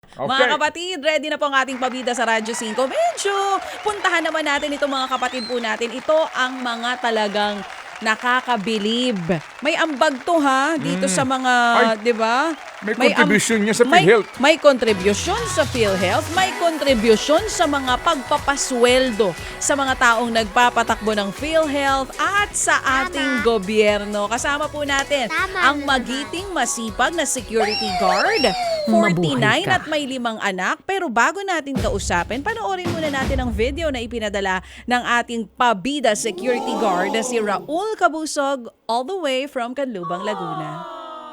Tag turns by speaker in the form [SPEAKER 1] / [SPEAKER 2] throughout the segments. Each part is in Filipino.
[SPEAKER 1] Mga
[SPEAKER 2] Okay.
[SPEAKER 1] kapatid, ready na po ang ating pabida sa Radyo 5. Medyo puntahan naman natin itong mga kapatid po natin. Ito ang mga talagang nakakabilib. May ambag to ha, dito sa mga,
[SPEAKER 2] Ay,
[SPEAKER 1] di ba?
[SPEAKER 2] may contribution niya sa
[SPEAKER 1] may,
[SPEAKER 2] PhilHealth.
[SPEAKER 1] may contribution sa PhilHealth, may contribution sa mga pagpapasweldo sa mga taong nagpapatakbo ng PhilHealth at sa ating gobyerno. Kasama po natin ang magiting masipag na security guard, 49 at may 5 anak. Pero bago natin kausapin, panoorin muna natin ang video na ipinadala ng ating pabida security guard na si Raul Cabusog all the way from Canlubang, Laguna.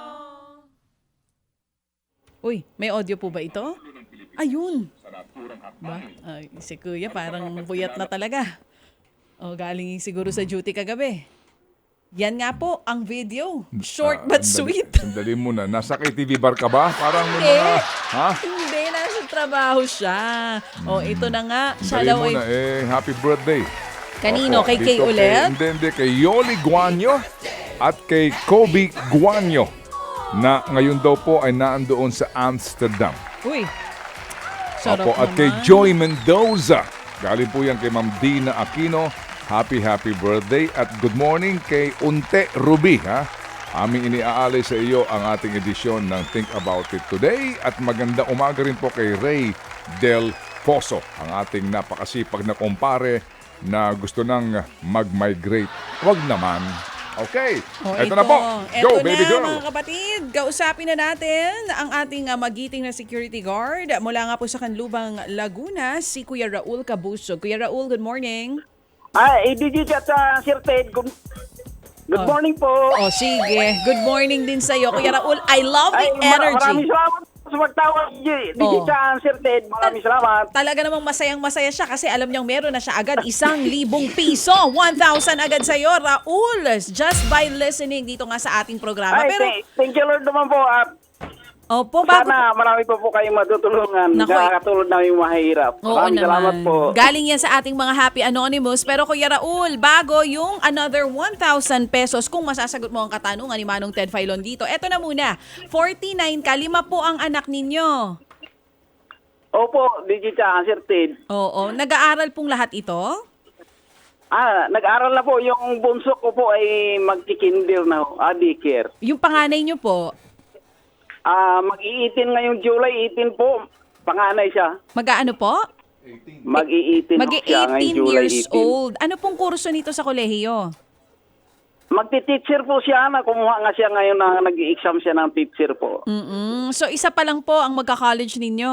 [SPEAKER 1] Uy, may audio po ba ito? Ayun. Ba? Ay, si Kuya parang buyat na talaga. O, galing siguro sa duty kagabi. Yan nga po ang video. Short but sweet.
[SPEAKER 2] Sandali muna. Nasa KTV bar ka ba? Parang may
[SPEAKER 1] Eh,
[SPEAKER 2] mga... Ha?
[SPEAKER 1] Hindi, nasa trabaho siya. O, ito na nga. Siya
[SPEAKER 2] Sandali
[SPEAKER 1] daw ay...
[SPEAKER 2] muna. Happy birthday.
[SPEAKER 1] Kanino?
[SPEAKER 2] Opo,
[SPEAKER 1] Kay Kay
[SPEAKER 2] dito
[SPEAKER 1] ulit?
[SPEAKER 2] Hindi. Kay Yoli Guanyo at kay Kobe Guanyo na ngayon daw po ay naandoon sa Amsterdam.
[SPEAKER 1] Uy. Sarap
[SPEAKER 2] Opo, at
[SPEAKER 1] naman.
[SPEAKER 2] kay Joy Mendoza. Galing po yan kay Ma'am Dina Aquino. Happy birthday at good morning kay Unte Ruby. Ha? Aming iniaalay sa iyo ang ating edisyon ng Think About It Today at magandang umaga rin po kay Ray Del Pozo, ang ating napakasipag na kumpare na gusto nang mag-migrate. Huwag naman. Okay,
[SPEAKER 1] O,
[SPEAKER 2] eto na po. Go,
[SPEAKER 1] Eto
[SPEAKER 2] baby
[SPEAKER 1] na,
[SPEAKER 2] girl.
[SPEAKER 1] mga kapatid. Kausapin na natin ang ating magiting na security guard mula nga po sa Canlubang, Laguna, si Kuya Raul Cabusog. Kuya Raul, good morning.
[SPEAKER 3] Digit at Sir Ted, good morning po.
[SPEAKER 1] O, sige. Good morning din sa'yo, Kuya Raul. I love the
[SPEAKER 3] Maraming
[SPEAKER 1] energy.
[SPEAKER 3] salamat sa magtawag, Digit at Sir Ted. Maraming salamat.
[SPEAKER 1] Talaga namang masayang-masaya siya kasi alam niyang meron na siya agad 1,000 piso. 1,000 agad sa'yo, Raul. Just by listening dito nga sa ating programa. Pero,
[SPEAKER 3] Thank you Lord naman po. At
[SPEAKER 1] opo, bago...
[SPEAKER 3] sana marami pa po kayong matutulungan.
[SPEAKER 1] Nako,
[SPEAKER 3] Nakakatulad namin yung mahirap.
[SPEAKER 1] Oo
[SPEAKER 3] Maraming salamat
[SPEAKER 1] naman.
[SPEAKER 3] po.
[SPEAKER 1] Galing yan sa ating mga Happy Anonymous. Pero Kuya Raul, bago yung another 1,000 pesos, kung masasagot mo ang katanungan ni Manong Ted Filon dito, eto na muna. 49 ka, 5 po ang anak ninyo.
[SPEAKER 3] Opo, Digit at Sir Ted.
[SPEAKER 1] Oo. Nag-aaral pong lahat ito?
[SPEAKER 3] Nag-aral na po. Yung bunso ko po ay magkikinder na. Daycare.
[SPEAKER 1] Yung panganay nyo po,
[SPEAKER 3] Mag-i-18 ngayong July 18 po. Panganay siya.
[SPEAKER 1] mag-aano po?
[SPEAKER 3] Mag-i-18 siya ngayong
[SPEAKER 1] Mag-18
[SPEAKER 3] July
[SPEAKER 1] years
[SPEAKER 3] 18.
[SPEAKER 1] old. Ano pong kurso nito sa kolehiyo?
[SPEAKER 3] Magti-teacher po siya na kumuha nga siya ngayon na nag-i-exam siya ng teacher po.
[SPEAKER 1] So isa pa lang po ang magka-college ninyo.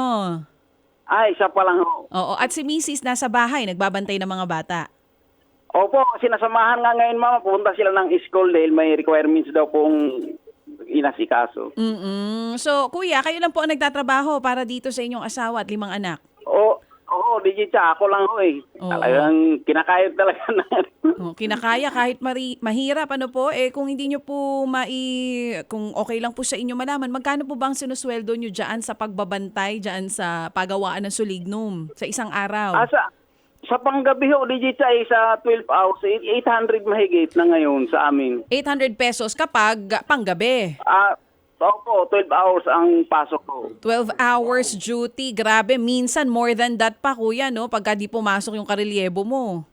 [SPEAKER 3] Isa pa lang ho.
[SPEAKER 1] Oo. At si Mrs. nasa bahay, nagbabantay ng mga bata.
[SPEAKER 3] Opo, sinasamahan nga ngayon mama, pupunta sila ng school dahil may requirements daw pong inasikaso.
[SPEAKER 1] So, kuya, kayo lang po ang nagtatrabaho para dito sa inyong asawa at 5 anak.
[SPEAKER 3] Oo, Digit, ako lang ho eh.
[SPEAKER 1] Oo.
[SPEAKER 3] Talagang kinakayod talaga na.
[SPEAKER 1] Kinakaya kahit mahirap, ano po, kung hindi nyo po kung okay lang po sa inyo malaman, magkano po bang sinusweldo nyo dyan sa pagbabantay, dyan sa pagawaan ng sulignum sa isang araw?
[SPEAKER 3] Sa panggabi ho, Digit, ay sa 12 hours, 800 mahigit na ngayon sa amin.
[SPEAKER 1] 800 pesos kapag panggabi.
[SPEAKER 3] Opo, 12 hours ang pasok ko.
[SPEAKER 1] 12 hours duty. Grabe, minsan more than that pa, kuya, no? Pagka di pumasok yung karelyebo mo.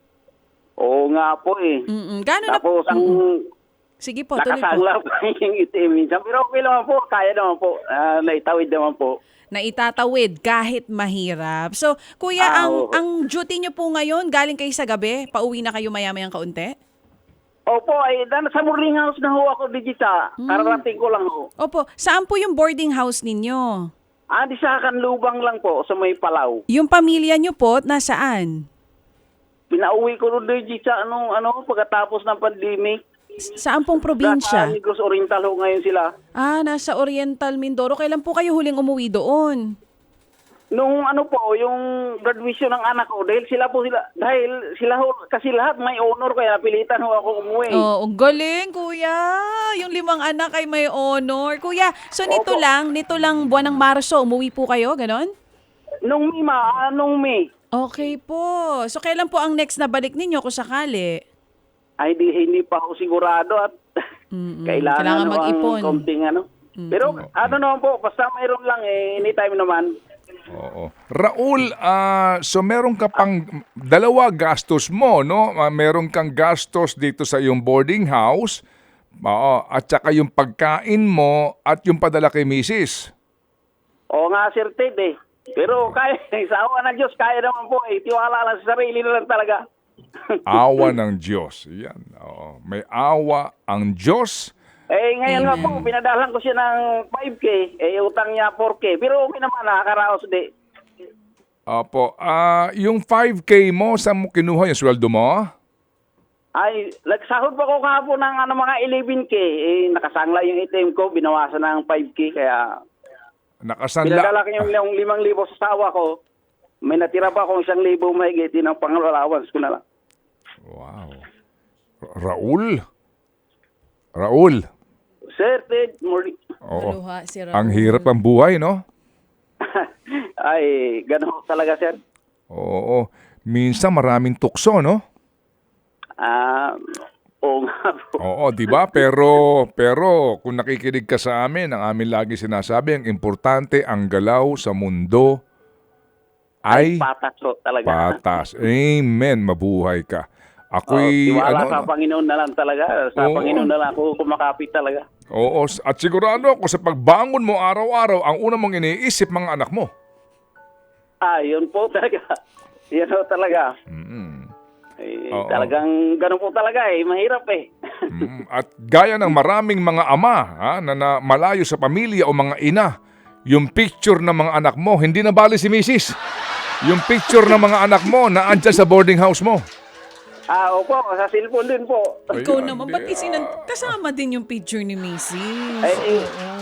[SPEAKER 3] Oo nga po eh.
[SPEAKER 1] Gano'n na...
[SPEAKER 3] Tapos ang
[SPEAKER 1] Sige po, tuloy po.
[SPEAKER 3] nakasangla pa yung itim minsan. Pero okay naman po, kaya naman po. Naitawid naman po.
[SPEAKER 1] Na itatawid kahit mahirap. So, kuya,
[SPEAKER 3] Oo.
[SPEAKER 1] ang duty nyo po ngayon, galing kayo sa gabi? Pauwi na kayo maya-mayang kaunti?
[SPEAKER 3] Opo, sa boarding house na ho ako, Digita. Kararating ko lang ho.
[SPEAKER 1] Opo. Saan po yung boarding house ninyo?
[SPEAKER 3] Di sa Canlubang lang po, sa may Palaw.
[SPEAKER 1] Yung pamilya nyo po, nasaan?
[SPEAKER 3] Pinauwi ko rin, Digita, pagkatapos ng pandemic.
[SPEAKER 1] Saan pong
[SPEAKER 3] Sa
[SPEAKER 1] probinsya?
[SPEAKER 3] Negros Oriental ho ngayon sila.
[SPEAKER 1] Nasa Oriental Mindoro. Kailan po kayo huling umuwi doon?
[SPEAKER 3] Nung yung graduation ng anak ko, dahil sila ho, kasi lahat may honor, kaya napilitan ho ako umuwi.
[SPEAKER 1] Oh, galing, kuya. Yung 5 anak ay may honor. Kuya, so nito
[SPEAKER 3] Opo.
[SPEAKER 1] lang buwan ng Marso, umuwi po kayo, ganon?
[SPEAKER 3] Nung May.
[SPEAKER 1] Okay po. So kailan po ang next na balik ninyo kung sakali?
[SPEAKER 3] Hindi pa ako sigurado at
[SPEAKER 1] Kailangan
[SPEAKER 3] kailangan
[SPEAKER 1] mag-ipon.
[SPEAKER 3] ang konting Pero naman po, basta mayroon lang anytime naman.
[SPEAKER 2] Oo. Raul, so meron ka pang dalawa gastos mo, no? Meron kang gastos dito sa iyong boarding house, at saka yung pagkain mo at yung padala kay misis.
[SPEAKER 3] Oo nga, Sir Ted eh. Pero kaya, sa awa ng Diyos, kaya naman po eh. Tiwala lang sa sarili na lang talaga.
[SPEAKER 2] Awa ng Diyos. Yan. Oo. May awa ang Diyos.
[SPEAKER 3] Eh, ngayon nga po, pinadalan ko siya ng 5K. Eh, utang niya 4K. Pero okay naman, nakakaraos di.
[SPEAKER 2] Opo. Yung 5K mo, saan mo kinuha yung sweldo mo?
[SPEAKER 3] Ay, nagsahod pa ko kahapon ng mga 11K. Eh, nakasangla yung ATM ko, binawasan ng 5K. Kaya,
[SPEAKER 2] Nakasanla.
[SPEAKER 3] pinadala ko yung 5,000 sa asawa ko. May natira pa akong 1,000 mahigit. Yun ang pang-allowance ko na lang.
[SPEAKER 2] Wow. Raul.
[SPEAKER 3] Sir Ted, morning.
[SPEAKER 2] Oo.
[SPEAKER 1] Maluha si Raul.
[SPEAKER 2] Ang hirap ang buhay, no?
[SPEAKER 3] Ay, gano'n talaga, sir.
[SPEAKER 2] Oo. Minsan maraming tukso, no?
[SPEAKER 3] Oo nga po.
[SPEAKER 2] Oo, 'di ba? Pero kung nakikinig ka sa amin, ang amin lagi sinasabi, ang importante ang galaw sa mundo ay
[SPEAKER 3] Patas po talaga.
[SPEAKER 2] patas. Amen, mabuhay ka. Ako'y
[SPEAKER 3] Tiwala sa Panginoon na lang talaga. Sa
[SPEAKER 2] Oo.
[SPEAKER 3] Panginoon na lang ako kumakapit talaga.
[SPEAKER 2] Oo, at sigurado ako sa pagbangon mo araw-araw, ang una mong iniisip mga anak mo.
[SPEAKER 3] Yun po talaga. Yun po talaga.
[SPEAKER 2] Oo.
[SPEAKER 3] Talagang gano'n po talaga eh. Mahirap eh.
[SPEAKER 2] At gaya ng maraming mga ama na malayo sa pamilya o mga ina, yung picture ng mga anak mo, hindi na bali si misis. Yung picture ng mga anak mo na andyan sa boarding house mo.
[SPEAKER 3] Opo. Sa cellphone din po.
[SPEAKER 1] Ikaw
[SPEAKER 2] Ayan,
[SPEAKER 1] naman, ba't kasama din yung picture ni Mrs.?
[SPEAKER 3] Eh,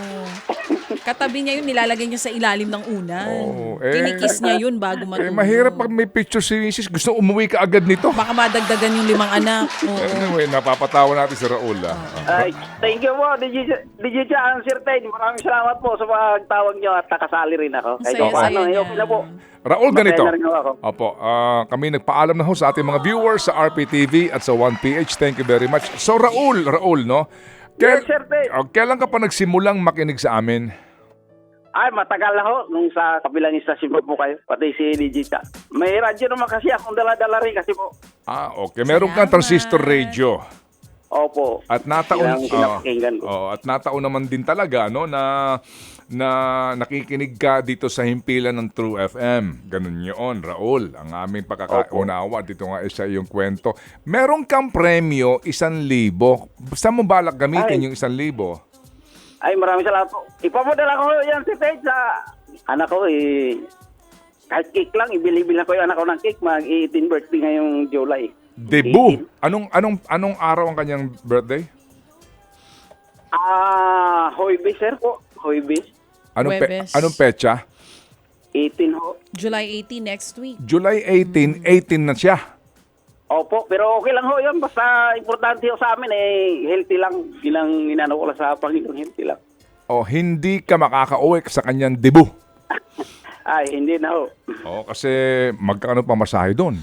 [SPEAKER 1] Katabi niya yun, nilalagay niya sa ilalim ng unan.
[SPEAKER 2] Oo,
[SPEAKER 1] Kinikiss niya yun bago matulog.
[SPEAKER 2] Mahirap pag may picture si misis, gusto umuwi ka agad nito.
[SPEAKER 1] Baka madagdagan yung 5 anak. Oo.
[SPEAKER 2] Anyway, napapatawa natin si Raul.
[SPEAKER 3] Thank you po, DJ Chan, Sir Ted. Maraming salamat po sa pagtawag niyo at nakasali rin ako. Kahit
[SPEAKER 1] Saya-saya
[SPEAKER 3] paano,
[SPEAKER 1] niya.
[SPEAKER 3] okay na po.
[SPEAKER 2] Raul, ganito.
[SPEAKER 3] Masaya na rin ako.
[SPEAKER 2] Opo, kami nagpaalam na ho sa ating mga viewers sa RPTV at sa 1PH. Thank you very much. So Raul, no?
[SPEAKER 3] Yes, Sir Ted.
[SPEAKER 2] Kailan ka pa nagsimulang makinig sa amin?
[SPEAKER 3] Ay, matagal na ho. Nung sa kabilang istasyon po kayo. Pati si DJ Chan. May radyo naman kasi akong dala-dala rin kasi po.
[SPEAKER 2] Okay. Meron kang transistor radio.
[SPEAKER 3] Opo.
[SPEAKER 2] At nataon
[SPEAKER 3] Yan ang pinapakinggan ko.
[SPEAKER 2] at nataon naman din talaga no na nakikinig ka dito sa himpilan ng True FM. Ganun 'yon, Raul. Ang aming pagkakaunawa dito nga sa iyong kwento. Meron kang premyo 1,000. Saan mo balak gamitin yung 1,000?
[SPEAKER 3] Ay, maraming salamat po. Ipapadala ko yan si Ted sa anak ko eh. Kahit cake lang, ibili-bilang ko yung anak ko ng cake. Mag-18 birthday ngayong July.
[SPEAKER 2] Debut. Anong araw ang kanyang birthday?
[SPEAKER 3] Hoybis, sir po. Hoybis.
[SPEAKER 1] Huwebes.
[SPEAKER 2] Anong petsa?
[SPEAKER 3] 18 ho.
[SPEAKER 1] July 18 next week.
[SPEAKER 2] July 18, 18 na siya.
[SPEAKER 3] Opo, pero okay lang ho yun. Basta importante ho sa amin eh, healthy lang. Ilang inano ko lang sa Panginoon, healthy lang.
[SPEAKER 2] O hindi ka makakauwi sa kanyang debut.
[SPEAKER 3] Ay, hindi na ho.
[SPEAKER 2] Kasi magkano pa masahe doon?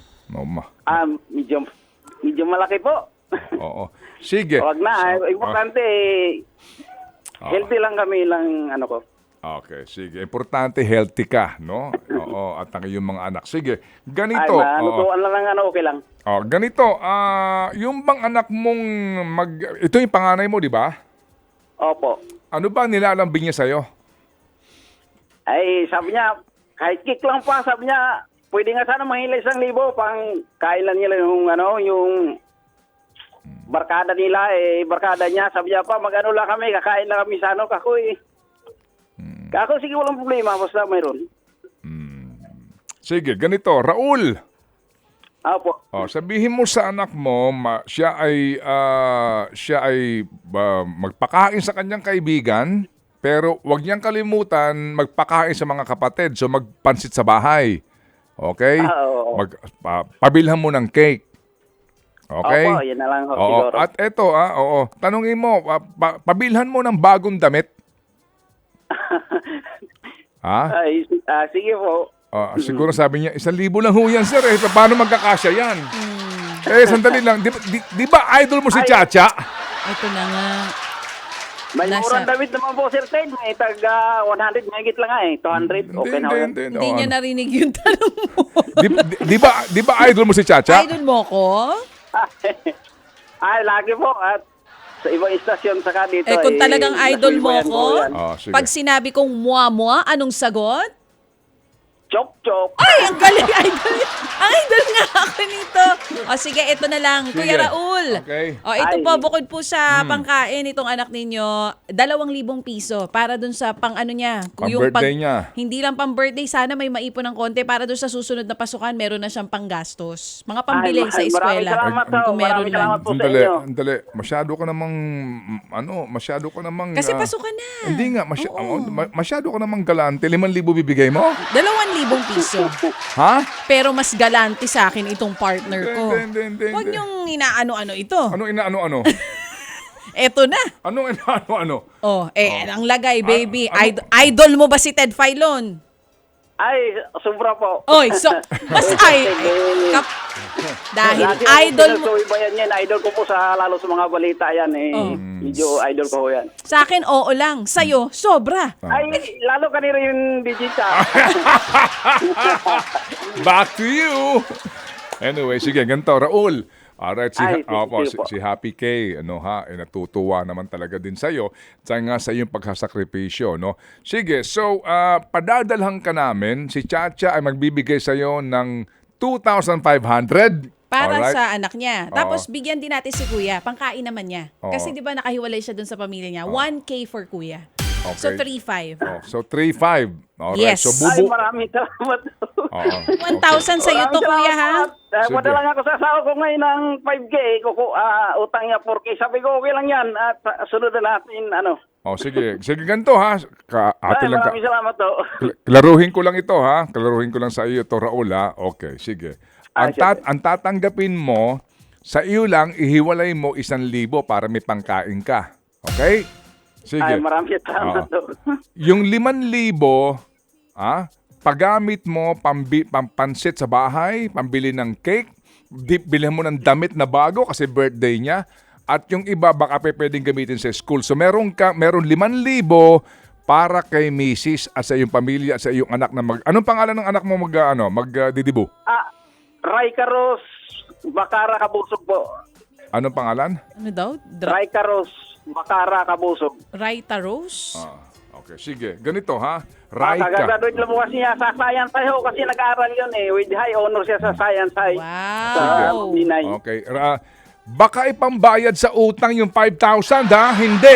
[SPEAKER 3] Medyo malaki po.
[SPEAKER 2] Oo. Sige.
[SPEAKER 3] Huwag na. Importante eh, healthy lang kami lang ano ko.
[SPEAKER 2] Okay, sige. Importante healthy ka, no? Oo, at ang iyong mga anak. Sige,
[SPEAKER 3] Ay,
[SPEAKER 2] ganito.
[SPEAKER 3] manutuan lang okay lang.
[SPEAKER 2] Ganito, yung bang anak mong ito yung panganay mo, di ba?
[SPEAKER 3] Opo.
[SPEAKER 2] Ano ba nilalambing niya sa'yo?
[SPEAKER 3] Ay, sabi niya, kahit kick lang pa, sabi niya, pwede nga sana mahila 1,000 pang kailan nila yung barkada nila, barkada niya, sabi niya pa, mag-ano lang kami, kakain lang kami sa kako eh. Kako, sige, walang problema, basta mayroon.
[SPEAKER 2] Sige, ganito, Raul.
[SPEAKER 3] Opo.
[SPEAKER 2] Sabihin mo sa anak mo, siya ay magpakain sa kanyang kaibigan, pero wag niyang kalimutan magpakain sa mga kapatid, so magpansit sa bahay. Okay? Pabilhan mo ng cake. Okay?
[SPEAKER 3] Opo, yan na lang ho, siguro.
[SPEAKER 2] At eto, tanungin mo, pabilhan mo ng bagong damit.
[SPEAKER 3] Ay, sige po.
[SPEAKER 2] Siguro sabi niya, 1,000 lang ho yan, sir. Paano magkakasya yan? Sandali lang. Di ba idol mo si Chacha?
[SPEAKER 1] Ito na nga.
[SPEAKER 3] May
[SPEAKER 1] Nasa-
[SPEAKER 3] murang damit naman po, Sir Ted. May taga 100, mahigit lang nga eh. 200, okay na yan.
[SPEAKER 1] Hindi niya narinig yung tanong mo.
[SPEAKER 2] Di ba idol mo si Chacha?
[SPEAKER 1] Idol mo ko?
[SPEAKER 3] Ay, lagi po. At sa ibang istasyon saka dito.
[SPEAKER 1] Eh kung talagang idol mo
[SPEAKER 3] nasubaybayan
[SPEAKER 1] ko,
[SPEAKER 3] ko yan.
[SPEAKER 2] Oh, sige.
[SPEAKER 1] pag sinabi kong mua-mua, anong sagot?
[SPEAKER 3] Chok-chok.
[SPEAKER 1] Ay, ang galing, idol. Ang idol nga ako nito. O sige, ito na lang.
[SPEAKER 2] Sige.
[SPEAKER 1] Kuya Raul.
[SPEAKER 2] Okay.
[SPEAKER 1] O ito
[SPEAKER 3] Ay.
[SPEAKER 1] po, bukod po sa pangkain itong anak ninyo, 2,000 piso para dun sa pang ano niya.
[SPEAKER 2] Pang-birthday niya.
[SPEAKER 1] Hindi lang pang birthday, sana may maipon ng konti para dun sa susunod na pasukan, meron na siyang panggastos. Mga pambili
[SPEAKER 3] Ay,
[SPEAKER 1] sa
[SPEAKER 3] maraming
[SPEAKER 1] eskwela.
[SPEAKER 3] salamat ho.
[SPEAKER 1] Kung meron
[SPEAKER 3] Maraming salamat
[SPEAKER 1] man.
[SPEAKER 3] po sa
[SPEAKER 2] Andali,
[SPEAKER 3] inyo.
[SPEAKER 2] andali. Masyado ka namang...
[SPEAKER 1] Kasi pasukan na.
[SPEAKER 2] Hindi nga,
[SPEAKER 1] Oo.
[SPEAKER 2] masyado ka namang galante. 5,000 bibigay mo?
[SPEAKER 1] 2,000 piso.
[SPEAKER 2] Ha?
[SPEAKER 1] Pero mas galante sa akin itong partner ko.
[SPEAKER 2] Hindi.
[SPEAKER 1] Huwag niyong inaano-ano ito.
[SPEAKER 2] Ano inaano-ano?
[SPEAKER 1] Eto na.
[SPEAKER 2] Anong inaano-ano?
[SPEAKER 1] Oh, ang lagay, baby.
[SPEAKER 2] ano?
[SPEAKER 1] Idol mo ba si Ted Filon?
[SPEAKER 3] Ay, sobra po.
[SPEAKER 1] Oy, so, mas dahil
[SPEAKER 3] Lagi
[SPEAKER 1] idol mo.
[SPEAKER 3] Bayan yan. Idol ko po sa lalo sa mga balita yan eh.
[SPEAKER 1] Oh.
[SPEAKER 3] Medyo idol ko po yan.
[SPEAKER 1] Sa akin, oo lang. Sa'yo, sobra.
[SPEAKER 3] Ay, lalo kanina yung digita.
[SPEAKER 2] Back to you! Anyway, sige, ganito. Raul. Alright,
[SPEAKER 3] Ay, sige po.
[SPEAKER 2] si Happy K, natutuwa naman talaga din sa'yo. Nga sa iyong pagsasakripisyo, no? Sige, so, padadalhan ka namin. Si Chacha ay magbibigay sa'yo ng 2,500.
[SPEAKER 1] Para
[SPEAKER 2] Alright?
[SPEAKER 1] sa anak niya.
[SPEAKER 2] Oo.
[SPEAKER 1] Tapos, bigyan din natin si Kuya. Pangkain naman niya.
[SPEAKER 2] Oo.
[SPEAKER 1] Kasi di ba nakahiwalay siya dun sa pamilya niya. 1K for Kuya.
[SPEAKER 2] Okay.
[SPEAKER 1] So, 3,500.
[SPEAKER 2] Oh, so, 3,500. Alright,
[SPEAKER 1] Yes.
[SPEAKER 2] so
[SPEAKER 3] Ay,
[SPEAKER 2] bubu...
[SPEAKER 3] maraming salamat.
[SPEAKER 2] Oo.
[SPEAKER 1] 1,000 sa'yo to, Kuya, ha?
[SPEAKER 2] Sige.
[SPEAKER 3] Wala lang ako sa asawa ko ngayon ng 5K. Utang niya 4K. Sabi ko, okay lang yan. At sunod na natin, ano.
[SPEAKER 2] Oh, sige. Sige, ganito, ha? Ate
[SPEAKER 3] Ay,
[SPEAKER 2] lang ka.
[SPEAKER 3] maraming salamat to.
[SPEAKER 2] Klaruhin ko lang ito, ha? Klaruhin ko lang sa iyo to, Raul, ha? Okay, sige.
[SPEAKER 3] Ay,
[SPEAKER 2] Ang tatanggapin mo, sa iyo lang, ihiwalay mo 1,000 para may pangkain ka. Okay? Sige.
[SPEAKER 3] Ay, maraming salamat to.
[SPEAKER 2] Yung 5,000, paggamit mo, pampansit sa bahay, pambili ng cake, bilhin mo ng damit na bago kasi birthday niya, at yung iba baka pwedeng gamitin sa school. So meron 5,000 para kay Mrs. at sa iyong pamilya at sa iyong anak na Anong pangalan ng anak mo magdidibo?
[SPEAKER 3] Raikaros Bakara Kabusog po.
[SPEAKER 2] Anong pangalan?
[SPEAKER 1] Ano daw?
[SPEAKER 3] Raikaros Bakara Kabusog.
[SPEAKER 1] Raita Rose?
[SPEAKER 2] Okay, sige. Ganito, ha? Raika.
[SPEAKER 3] Kagagraduate lang po kasi niya sa science ho kasi nag-aaral yun eh. With high honor siya sa science high. Sa
[SPEAKER 1] Wow.
[SPEAKER 3] Binay.
[SPEAKER 2] Okay. Baka ipambayad sa utang yung 5,000, ha? Hindi.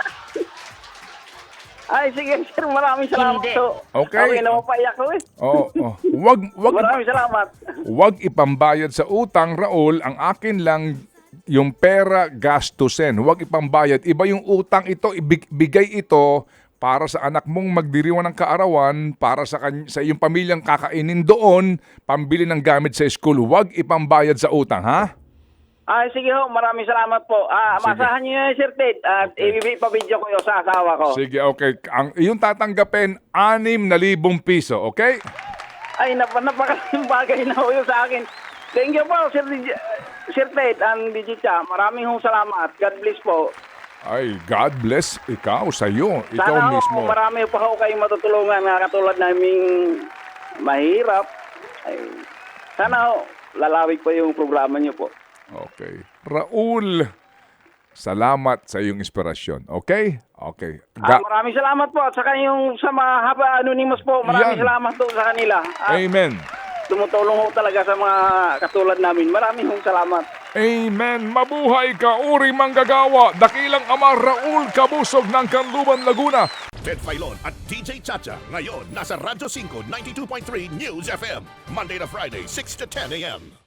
[SPEAKER 3] Ay, sige sir, maraming salamat to.
[SPEAKER 2] Okay.
[SPEAKER 3] Okay, napapaiyak ko eh.
[SPEAKER 2] Wag
[SPEAKER 3] Maraming salamat.
[SPEAKER 2] Huwag ipambayad sa utang, Raul. Ang akin lang yung pera gastusin. Huwag ipambayad. Iba yung utang ito, ibigay ito para sa anak mong magdiriwan ng kaarawan, para sa iyong pamilyang kakainin doon, pambili ng gamit sa school. Huwag ipambayad sa utang, ha?
[SPEAKER 3] Ay, sige ho, maraming salamat po. Masahan niyo yun, Sir Ted. At ipapabidyo ko yun sa asawa ko.
[SPEAKER 2] Sige, okay. Ang iyong tatanggapin, 6,000 piso, okay?
[SPEAKER 3] Ay, napakalaking bagay na ho yun sa akin. Thank you po, Sir Ted and Digita. Maraming hong salamat. God bless po.
[SPEAKER 2] Ay, God bless ikaw sa'yo. Ikaw
[SPEAKER 3] Sana
[SPEAKER 2] mismo.
[SPEAKER 3] ho, marami pa ho kayong matutulungan na katulad naming mahirap. Ay, sana ho, lalawig pa yung programa niyo po.
[SPEAKER 2] Okay. Raul, salamat sa iyong inspirasyon. Okay? Okay.
[SPEAKER 3] Maraming salamat po. At saka yung sa mga anonymous po, maraming
[SPEAKER 2] Yan.
[SPEAKER 3] salamat po sa kanila. At
[SPEAKER 2] Amen.
[SPEAKER 3] tumutulong ho talaga sa mga katulad namin. Maraming hong salamat.
[SPEAKER 2] Amen. Mabuhay ka, Uri Manggagawa, dakilang ama Raul Kabusog ng Canluban, Laguna.
[SPEAKER 4] Ted Filon at DJ Chacha. Ngayon, nasa Radyo 5, 92.3 News FM. Monday to Friday, 6 to 10 a.m.